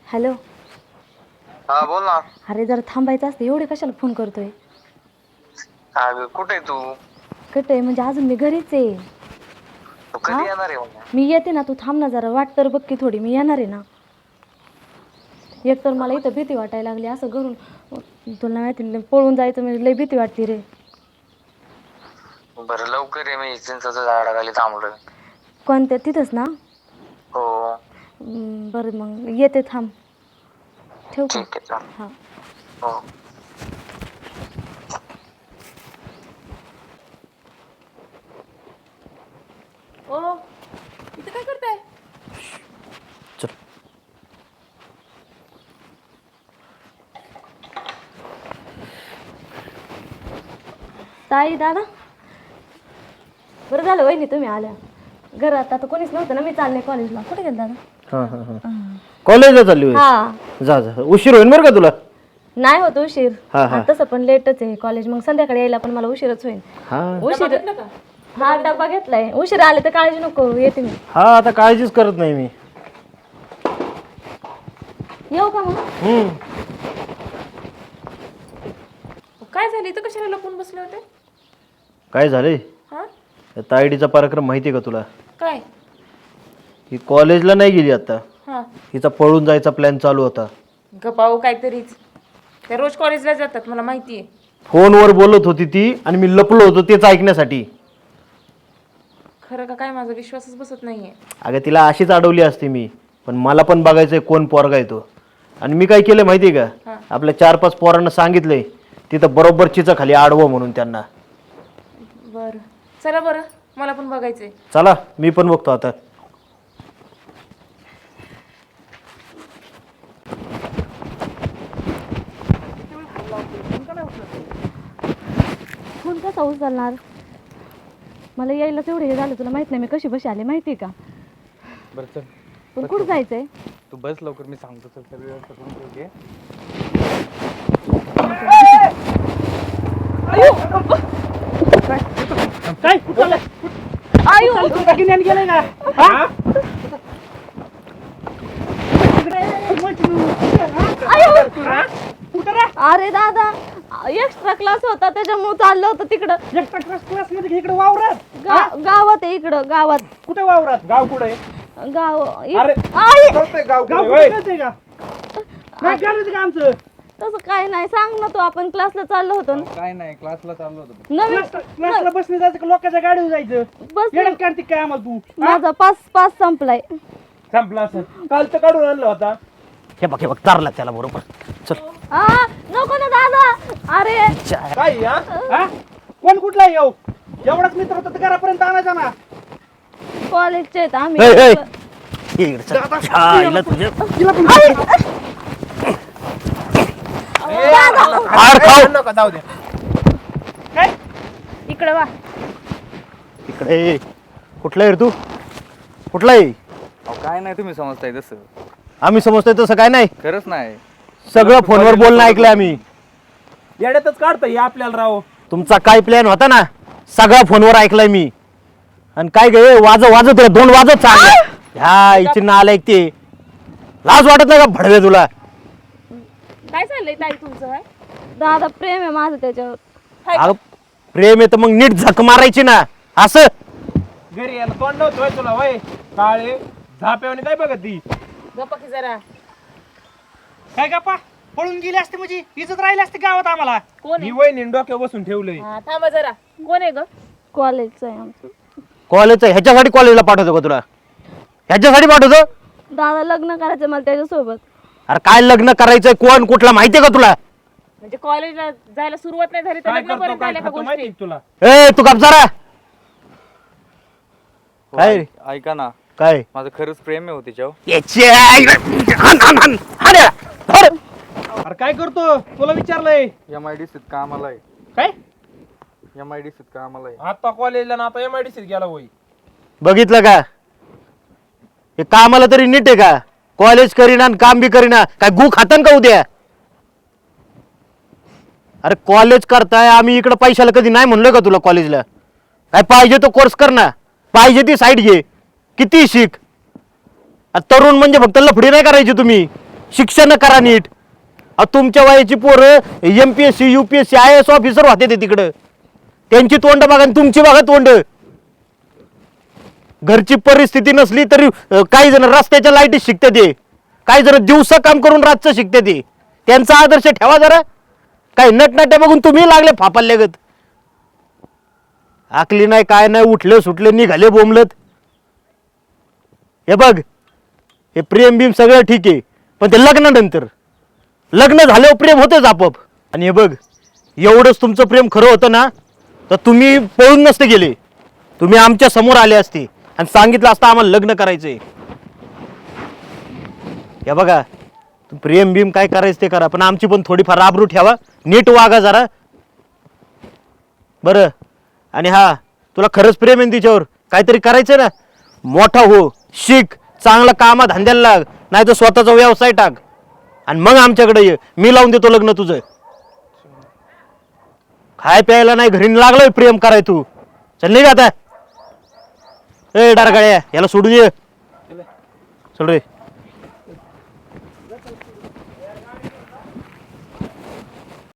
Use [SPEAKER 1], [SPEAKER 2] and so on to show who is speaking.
[SPEAKER 1] Hello.
[SPEAKER 2] हा बोल ना.
[SPEAKER 1] अरे जरा थांबायचं असतं, एवढे कशाला फोन करतोय?
[SPEAKER 2] अगं कुठे आहे तू?
[SPEAKER 1] कुठे आहे म्हणजे अजून मी घरीच आहे.
[SPEAKER 2] तू
[SPEAKER 1] हा
[SPEAKER 2] कधी येणार आहे मग?
[SPEAKER 1] मी येते ना, तू थांब ना जरा, वाट तर बघ की थोडी, मी येणार आहे ना. एक तर मला इथं भीती वाटायला लागली, असं घरून तुला माहिती पळून जायचं म्हणजे लय भीती वाटते रे.
[SPEAKER 2] बरं लवकर ये, मी चिंचाच्या झाडाखाली थांबलोय.
[SPEAKER 1] कोणत्या तिथंच ना?
[SPEAKER 2] हो
[SPEAKER 1] बरं मग येते, थांब. ठेवू का?
[SPEAKER 2] ठीक आहे चालेल.
[SPEAKER 1] हां.
[SPEAKER 2] हो.
[SPEAKER 3] ओ इथं काय करताय?
[SPEAKER 4] चल.
[SPEAKER 1] ताई दादा, बरं झालं वहिनी तुम्ही आल्या. घरात आता कोणीच नव्हतं ना, मी चालले कॉलेजला. कुठे गेला दादा?
[SPEAKER 4] हां हां हां कॉलेजला चालली होय?
[SPEAKER 1] हा.
[SPEAKER 4] जा जा, उशीर होईल बरं का तुला.
[SPEAKER 1] नाही होत उशीर.
[SPEAKER 4] हा, हा.
[SPEAKER 1] तसं पण लेटच आहे कॉलेज, मग संध्याकाळी यायला पण मला उशीरच होईल.
[SPEAKER 4] हां
[SPEAKER 1] उशीर. हा डब्बा घेतलाय. उशीर आले तर काळजी नको, येते मी.
[SPEAKER 4] हां आता काळजीच करत नाही मी.
[SPEAKER 1] येऊ का मग?
[SPEAKER 3] काय झालं इथं, कशाला लपून बसले होते?
[SPEAKER 4] काय झालंय?
[SPEAKER 3] हा
[SPEAKER 4] त्या तायडीचा कार्यक्रम माहिती आहे का तुला?
[SPEAKER 3] काय?
[SPEAKER 4] ही कॉलेजला नाही गेली आता.
[SPEAKER 3] हा
[SPEAKER 4] हिचा पळून जायचा प्लॅन चालू होता.
[SPEAKER 3] गपाऊ काहीतरीच. त्या रोज कॉलेजला जातात, मला माहिती आहे.
[SPEAKER 4] फोनवर बोलत होती ती आणि मी लपलो होतो तेच ऐकण्यासाठी.
[SPEAKER 3] खरं का काय, माझा विश्वासच बसत नाहीये.
[SPEAKER 4] अगं तिला अशीच अडवली असते मी, पण मला पण बघायचंय कोण पोरगा आहे तो. आणि मी काय केलं माहिती आहे का? आपल्या 4-5 पोरांना सांगितलंय तिथं बरोबर चिचा खाली आडवं म्हणून त्यांना.
[SPEAKER 3] बरं चला, बरं मला पण बघायचंय.
[SPEAKER 4] चला मी पण बघतो आता.
[SPEAKER 1] फोन कसा उचलणार? मला यायला तेवढं हे झालं, तुला माहित नाही मी कशी बशी आले माहिती का?
[SPEAKER 5] बरं चल,
[SPEAKER 1] पण कुठं जायचंय?
[SPEAKER 5] तू बस लवकर, मी सांगतो. चल सगळी व्यवस्था करून ठेवते.
[SPEAKER 4] काय कुठं गेलाय का?
[SPEAKER 1] अरे दादा, एक्स्ट्रा क्लास होता त्याच्यामुळे चाललं होतं तिकडं.
[SPEAKER 4] एक्स्ट्रा क्लास मध्ये इकडे वावरात?
[SPEAKER 1] गावात आहे, इकडं गावात.
[SPEAKER 4] कुठे वावरात? गाव कुठे आहे?
[SPEAKER 1] गाव
[SPEAKER 4] अरे गाव कळतंय का? काय करायचं का आमचं?
[SPEAKER 1] तसं काय नाही, सांग ना तू. आपण क्लासला चाललो होतो ना.
[SPEAKER 5] काय नाही, क्लासला चाललो होतो.
[SPEAKER 1] नवीन
[SPEAKER 4] क्लासला बसने जायचं का लोकांच्या गाडीवर जायचं?
[SPEAKER 1] बस
[SPEAKER 4] येणं कार्तिक काय आम्हाला तू?
[SPEAKER 1] माझा पास संपलाय.
[SPEAKER 4] संपला असं काल तर काढून आणला होता. हे बघ चारला त्याला बरोबर. चल.
[SPEAKER 1] नको ना दादा. अरे
[SPEAKER 4] काय हा? कोण कुठला येऊ? एवढाच मित्र होता तर घरापर्यंत आणायचा ना.
[SPEAKER 1] कॉलेजचे आहेत आम्ही.
[SPEAKER 4] जाऊ दे.
[SPEAKER 1] इकडे वा.
[SPEAKER 4] इकडे कुठला आहे रे तू? कुठला आहे?
[SPEAKER 5] काय नाही, तुम्ही समजताय तसं.
[SPEAKER 4] आम्ही समजतोय तसं काय नाही.
[SPEAKER 5] खरंच नाही.
[SPEAKER 4] सगळं फोनवर बोलणं ऐकलंय आम्ही.
[SPEAKER 6] येड्यातच काढतोय आपल्याला राव.
[SPEAKER 4] तुमचा काय प्लॅन होता ना, सगळा फोनवर ऐकलाय मी. आणि काय गे वाजत 2 वाजत चालले. ह्या इथे नाला ऐकते. लाज वाटत नाही का भडवे तुला?
[SPEAKER 3] काय चाललंय ताई तुमचं?
[SPEAKER 1] दादा प्रेम आहे माझं त्याच्यावर.
[SPEAKER 4] अगं प्रेम आहे तर मग नीट झक मारायची ना. असं
[SPEAKER 6] घरी यायला तोंड नव्हतं होय तुला वय काळे झाप्यावणी काय बघत ती?
[SPEAKER 3] गप्पा की जरा.
[SPEAKER 6] काय गप्पा पळून गेली असते म्हणजे इज्जत राहिली असते गावात आम्हाला.
[SPEAKER 3] कोण
[SPEAKER 6] ही वहिनी डोक्यावर बसून ठेवलंय.
[SPEAKER 3] हा थांबा जरा. कोण आहे ग?
[SPEAKER 1] कॉलेजचं आहे आमचं.
[SPEAKER 4] कॉलेजचं ह्याच्यासाठी कॉलेजला पाठवतो का तुला? ह्याच्यासाठी पाठवतो?
[SPEAKER 1] दादा लग्न करायचं मला त्याच्यासोबत.
[SPEAKER 4] अरे काय लग्न करायचंय? कोण कुठला माहितीये का तुला?
[SPEAKER 3] म्हणजे कॉलेजला जायला सुरुवात नाही झाली तर
[SPEAKER 6] काय
[SPEAKER 3] लग्न
[SPEAKER 6] करतो
[SPEAKER 3] पर्यंत
[SPEAKER 6] काय
[SPEAKER 3] आल्या का
[SPEAKER 6] खातो माहिती
[SPEAKER 3] गोष्टी?
[SPEAKER 6] आहे का तुला?
[SPEAKER 4] ए तू गप जरा. काय रे?
[SPEAKER 5] ऐका ना,
[SPEAKER 4] काय?
[SPEAKER 5] माझं खरंच प्रेम आहे हो तिच्यावर.
[SPEAKER 6] अरे काय करतो तुला विचारलंय.
[SPEAKER 5] MIDCत कामाला आहे.
[SPEAKER 6] काय
[SPEAKER 5] MIDCत कामाला आहे.
[SPEAKER 6] आता कॉलेजला ना आता MIDCत गेला होय.
[SPEAKER 4] बघितलं का? हे कामाला तरी नीट आहे का? कॉलेज करीना आणि काम बी करीना. काय गु खातन का उद्या? अरे कॉलेज करताय, आम्ही इकडे पैशाला कधी नाही म्हणलोय का तुला कॉलेजला? काय पाहिजे तो कोर्स कर ना, पाहिजे ती साईड घे, किती शिक. तरुण म्हणजे फक्त लफडी नाही करायची तुम्ही. शिक्षण करा नीट. तुमच्या वयाची पोरं MPSC UPSC IAS ऑफिसर होते ते तिकडं. त्यांची तोंड बघा आणि तुमची बघा तोंड. घरची परिस्थिती नसली तरी काही जण रस्त्याच्या लाईटीत शिकते ते, काही जण दिवसा काम करून रातचं शिकते ते. त्यांचा आदर्श ठेवा जरा. काही नटनाट्या बघून तुम्ही लागले फापाल्यागत. आकली नाही काय नाही, उठले सुटले निघाले बोंबलत. हे बघ, हे प्रेम बिम सगळं ठीक आहे, पण ते लग्नानंतर, लग्न झाल्यावर प्रेम होतेच आपोआप. आणि हे बघ, एवढंच तुमचं प्रेम खरं होतं ना तर तुम्ही पळून नसते गेले. तुम्ही आमच्या समोर आले असते आणि सांगितलं असतं आम्हाला लग्न करायचंय. हे बघा, प्रेम बिम काय करायचं ते करा, पण आमची पण थोडीफार आबरू ठेवा, नीट वागा जरा बरं. आणि हा, तुला खरंच प्रेम आहे तिच्यावर, काहीतरी करायचं ना, मोठा हो, शिक, चांगला कामा धंद्याला लाग, नाही तर स्वतःचा व्यवसाय टाक आणि मग आमच्याकडे ये. मी लावून देतो लग्न तुझं. खाय प्यायला नाही घरी लागलोय प्रेम कराय तू. चल नाही का आता. ए डारगाळ्या, याला सोडून ये. चल रे.